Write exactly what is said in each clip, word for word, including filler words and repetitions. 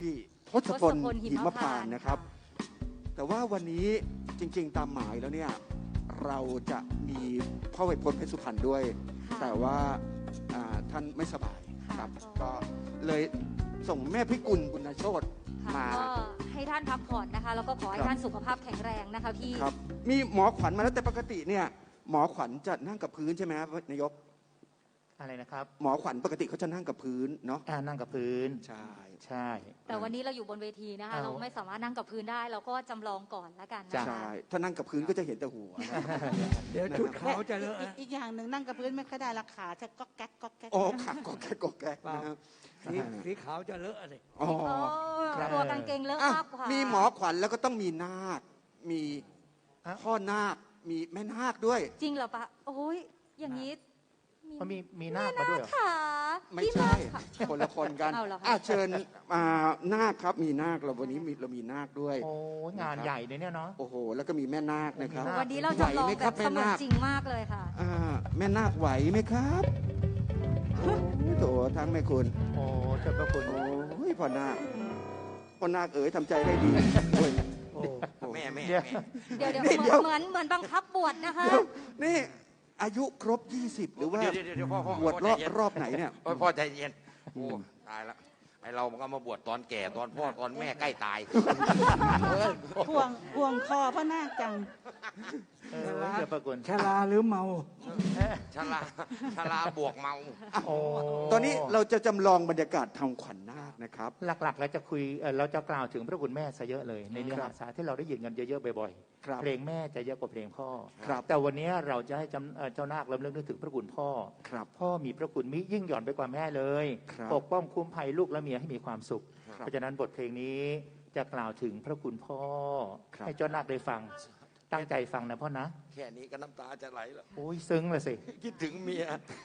ที่ทศพลหิมพานต์นะครับแต่ว่าวันนี้จริงๆตามหมายแล้วเนี่ยเราจะมีพ่อไวยพจน์เพชรสุพรรณด้วยแต่ว่าท่านไม่สบายครับก็เลยส่งแม่พิกุลบุญโชติมาก็ให้ท่านพักผ่อนนะคะแล้วก็ขอให้ท่านสุขภาพแข็งแรงนะคะพี่ครับมีหมอขวัญมาแล้วแต่ปกติเนี่ยหมอขวัญจะนั่งกับพื้นใช่ไหมครับนายกอะไรนะครับหมอขวัญปกติเขาจะนั่งกับพื้นเนาะนั่งกับพื้นใช่ใช่แต่วันนี้เราอยู่บนเวทีนะคะเราไม่สามารถนั่งกับพื้นได้เราก็จำลองก่อนแล้วกันนะคะใช่ถ้านั่งกับพื้นก็จะเห็นแต่หัวเดี๋ยวชุดเขาจะเลอะอีกอย่างหนึ่งนั่งกับพื้นไม่ค่อยได้ราคาจะก๊อกแก๊กก๊อกแก๊กโอ้ขาก๊อกแก๊กก๊อกแก๊กนะครับสีสีขาวจะเลอะอะไรอ๋อตัวกางเกงเลอะมากกว่ามีหมอขวัญแล้วก็ต้องมีนาคมีพ่อนาคมีแม่นาคด้วยจริงเหรอปะโอ้ยอย่างนี้มันมีมีนาคมาด้วยเหรอไม่ใช่คนละคนกันอ่ะเชิญมานาคครับมีนาคเราวันนี้เรามีนาคด้วยโอ้งานใหญ่เลยเนี่ยเนาะโอ้โหแล้วก็มีแม่นาคนะครับวันนี้เราจะลองแบบเสมือนจริงมากเลยค่ะแม่นาคไหวไหมครับโอ้โหทั้งแม่คุณโอ้เจ้าพระคุณโอ้ยพ่อนาคพ่อนาคเอ๋ยทำใจได้ดีแม่แม่เดี๋ยวเดี๋ยวเหมือนเหมือนบังคับบวชนะคะนี่อายุครบยี่สิบหรือว่าบวชรอบรอบไหนเนี่ยพ่อใจเย็นโอ้ตายละไอเรามันก็มาบวชตอนแก่ตอนพ่อตอนแม่ใกล้ตายห่วงห่วงคอพ่อนาคจังชราหรือเมาชราชราบวกเมาตอนนี้เราจะจำลองบรรยากาศทางขวัญนาคนะครับหลักๆเราจะคุยเราจะกล่าวถึงพระคุณแม่ซะเยอะเลยในเนื้อหาสาที่เราได้ยินกันเยอะๆบ่อยๆเพลงแม่จะเยอะกว่าเพลงพ่อแต่วันนี้เราจะให้เจ้านาครำลึกนึกถึงพระคุณพ่อพ่อมีพระคุณมิยิ่งหย่อนไปกว่าแม่เลยปกป้องคุ้มภัยลูกและเมียให้มีความสุขเพราะฉะนั้นบทเพลงนี้จะกล่าวถึงพระคุณพ่อให้เจ้านาคได้ฟังตั้งใจฟังนะพ่อนะแค่นี้ก็น้ำตาจะไหลแล้วโอ้ยซึ้งเลยสิคิดถึงเมีย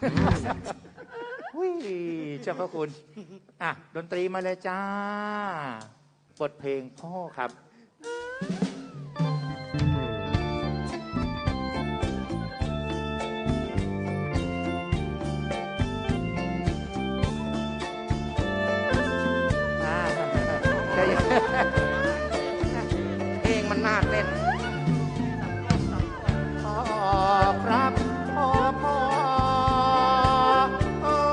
อุ้ยเจ้าพระคุณอ่ะดนตรีมาเลยจ้าบทเพลงพ่อครับเพลงมันน่าเต้นครับพ่อพ่อพ่อ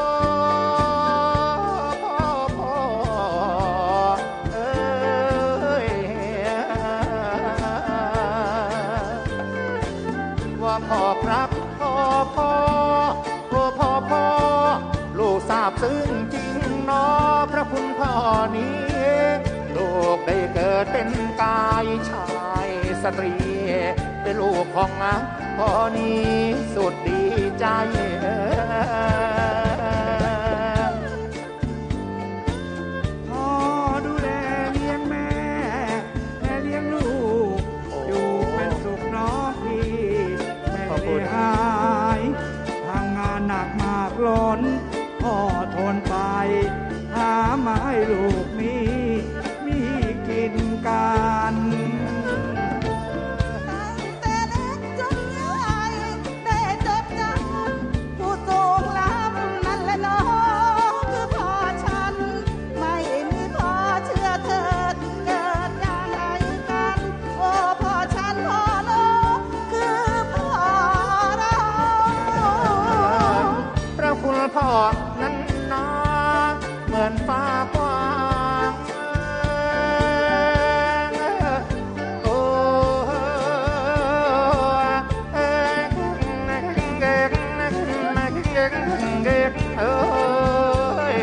พ่อเอ้ยว่าพ่อครับพ่อพ่อพ่อพ่อพ่อลูกทราบซึ้งจริงเนาะพระคุณพ่อนี้ลูกได้เกิดเป็นกายชายสตรีเป็นลูกของพ่อนี้สุดดีใจพ่อดูแลเลี้ยงแม่แม่เลี้ยงลูกอยู่เป็นสุขน้องพี่แม่ไม่หายทำงานหนักมากล้นพ่อทนไปหามาให้ลูกมีมีกินกันพ่อนั้นนาเหมือนฟ้ากว้างโอ้เอ้ย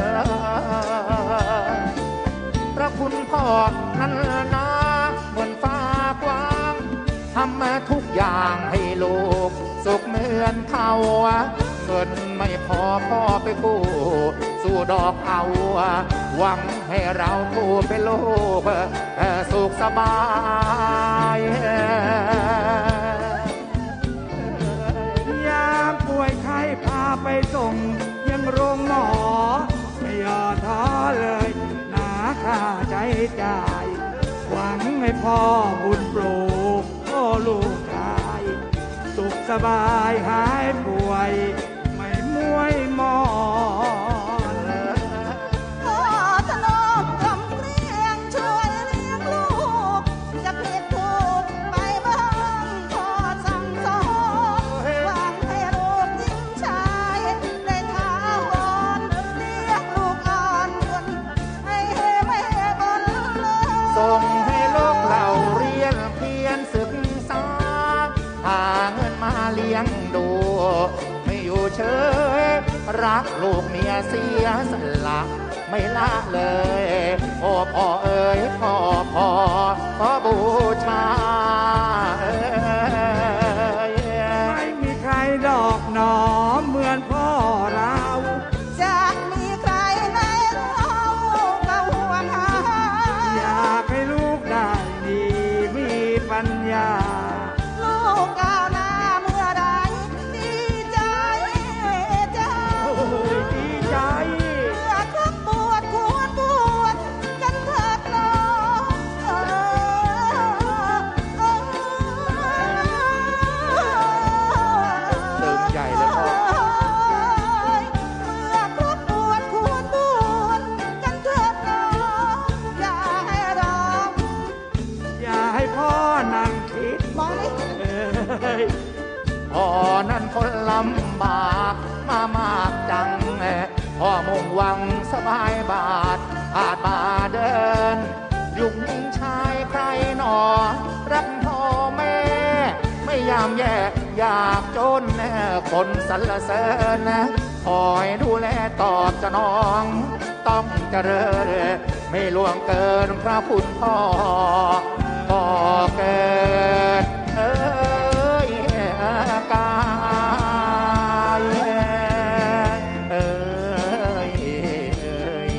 พระคุณพ่อนั้นนาเหมือนฟ้ากว้างทำมาทุกอย่างให้ลูกสุขเหมือนเขาเงินไม่พอพ่อไปกู้สู้ดอกเอาหวังให้เราคู่เป็นโลกสุขสบายยามป่วยไข้พาไปส่งยังโรงหมอไม่ย่อท้อเลยหนาค่าใจจ่ายหวังให้พ่อบุญปลูกโอ้ลูกชายสุขสบายหายป่วยไม่มวยมอนพ่อทะนอมใจส่งให้ลูกเราเรียนเพียรศึกษาหาเงินมาเลี้ยงดูไม่อยู่เฉยรักลูกเมียเสียสละไม่ละเลยโอ้พ่อเอ๋ยพ่อพ่อขอบูชาเอ๋ยไม่มีใครดอกหนอเหมือนพ่อเราจะมีใครในเราก็ห่วงหาอยากให้ลูกได้ดีมีปัญญาลูกก้าวหน้าเมื่อไรดีใจจ้าโอ้ยดีใจเมื่อครบบวชควรบวชกันเถิดน้องเออเออตึงใหญ่เลยพ่อเมื่อครบบวชควรบวชกันเถิดน้องอย่าให้ร้องอย่าให้พ่อนั่งคิดมองนี่เอ้ยพ่อนั้นคนลำบากมามากจังพ่อมุ่งหวังสบายบาทอาจมาเดิน ยุงยิงชายใครหนอ รักพ่อแม่ ไม่ยามแย่อยากจนคนสรรเสริญคอยดูแลตอบสนอง ต้องเจริญไม่ล่วงเกินพระคุณพ่อพ่อเกิดเอ้ยกายเอ้ยเอ้ย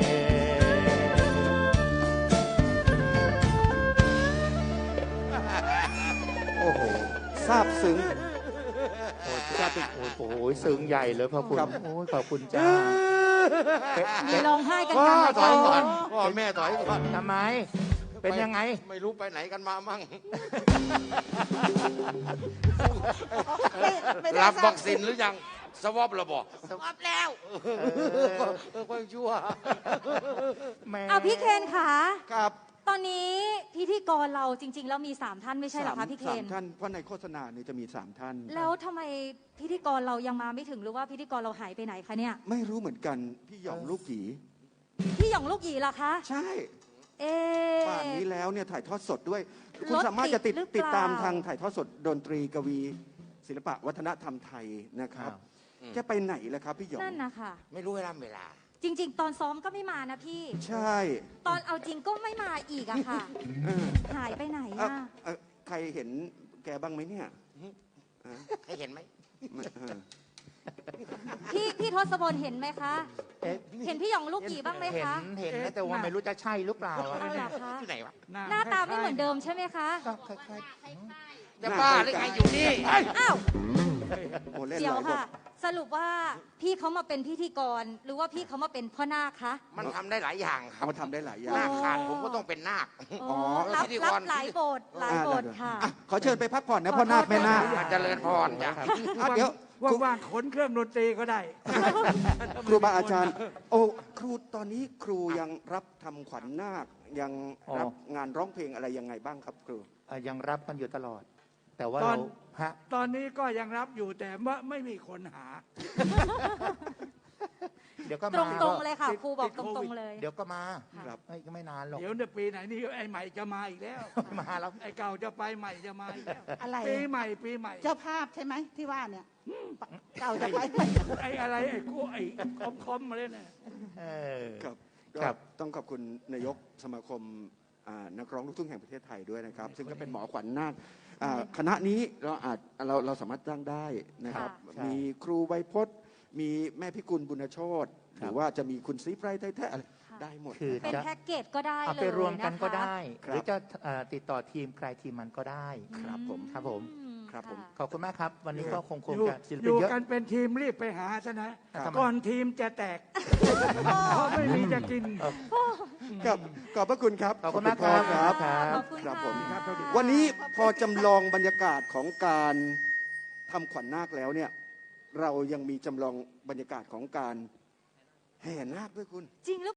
โอ้โหซาบซึ้งโอ้ยจ้าเป็นโอ้ยโอ้ยซึ้งใหญ่เลยพระคุณครับโอ้ยขอบคุณจ้ามีร้องไห้กันพ่อกลางรายถอยก่อนการพ่อแม่ถอยก่อนทำไม เป็นยังไงไม่รู้ไปไหนกันมามั่งไม่ไม่ได้รับสร้างวัคซีนหรือยังสวอประบอกสวอปแล้วเออค่อยชั่วแม่เอาพี่เคนค่ะครับตอนนี้พิธีกรเราจริง ๆ แล้วมีสามท่านไม่ใช่เหรอสาคะมพี่เคนสามท่านเพราะในโฆษณาเนี่ยจะมีสามท่านแล้วทำไมพิธีกรเรายังมาไม่ถึงหรือว่าพิธีกรเราหายไปไหนคะเนี่ยไม่รู้เหมือนกันพี่หยองลูกหยีพี่หยองลูกหยีล่ะคะใช่เอ๊ะป่านนี้แล้วเนี่ยถ่ายทอดสดด้วย คุณรถสามารถจะติดติดหรือเปล่าติดตามทางถ่ายทอดสดดนตรีกวี ศิลปะวัฒนธรรมไทยนะครับอืมแกไปไหนแล้วครับพี่หยองนั่นนะคะไม่รู้เวลาเวลาจริง ๆ ตอนซ้อมก็ไม่มานะพี่ใช่ตอนเอาจริงก็ไม่มาอีกอะค่ะเออหายไปไหนเอ่ออะเอ่อใครเห็นแกบ้างไหมเนี่ยเออให้เห็นไหมเออพี่พี่ทศพลเห็นไหมคะเอ๊ะเห็นพี่หยองลูกหยีบ้างไหมเห็นคะเห็นนะแต่ว่าไม่รู้จะใช่หรือเปล่าอะเอาเหรอคะที่ไหนวะหน้าตาไม่เหมือนเดิมใช่ไหมคะก็คล้ายจะบ้าหรือไงอยู่นี่อ้าวโอ้เล่นเดี๋หยวลายบทค่ะ สรุปว่าพี่เขามาเป็นพิธีกร หรือว่าพี่เขามาเป็นพ่อนาคคะมันทำได้หลายอย่างครับเขาทำได้หลายอย่างนาคขาดผมก็ต้องเป็นนาคอ๋ออรับพิธีกรับรหลายบทหลายบทค่ะอ่ะขอเชิญไปพักผ่อนนะพ่อนาคแม่นาคมาเจริญพรจ้ะอ่ะเดี๋ยวว่างๆขนเครื่องดนตรีก็ได้ครูบาอาจารย์ โอ้ครูตอนนี้ครูยังรับทำขวัญนาคยังรับงานร้องเพลงอะไรยังไงบ้างครับครูๆเอ่อยังรับกันอยู่ตลอด แต่ว่าตอเรานฮะตอนนี้ก็ยังรับอยู่แต่ว่าไม่มีคนหาเดี๋ยวก็ตรมางตรงๆเลยค่ะติดครูบอกติดตรงโควิดๆเลยเดี๋ยวก็มาครับเอ้ยก็ไม่นานหรอกเดี๋ยวในปีไหนนี่ไอ้ใหม่จะมาอีกแล้วมาแล้วไอ้เก่าจะไปใหม่จะมาอีกแล้วอะไรปีใหม่ปีใหม่เจ้าภาพใช่ไหมที่ว่าเนี่ยเก่าจะไปไหมไอ้อะไรไอ้กูไอ้คอมคอมมาเลยเนี่ยเออครับครับก็ต้องขอบคุณนายกสมาคมอ่านักร้องลูกทุ่งแห่งประเทศไทยด้วยนะครับ ซึ่งก็เป็นหมอขวัญนาคอ่าคณะนี้เราอาจเราเราสามารถจ้างได้นะครับค่ะมีครูไวยพจน์ มีแม่พิกุลบุญโชตหรือว่าจะมีคุณซีไพรไทยแท้อะไรค่ะได้หมดคือเป็นจะแพ็กเกจก็ได้เอาเลยไปรวมกันก็ะคะได้คหรับรือจะเอ่อติดต่อทีมใครทีมมันก็ได้ครับผมครับผมอืครับผมะขอบคุณมากครับ วันนี้ก็คงคงอยู่จะศิลอปินยู่เยอะกันเป็นทีมรีบไปหาซะนะครับก่อนทีมจะแตกเพราะไม่มีจะกินครับขอบพระคุณครับขอบคุณมากครับครับขอบคุณครับค่ะผมครับสวัสดีวันนี้พอจำลองบรรยากาศของการทำขวัญนาคแล้วเนี่ย เรายังมีจำลองบรรยากาศของการแห่นาคด้วยคุณจริงหรือ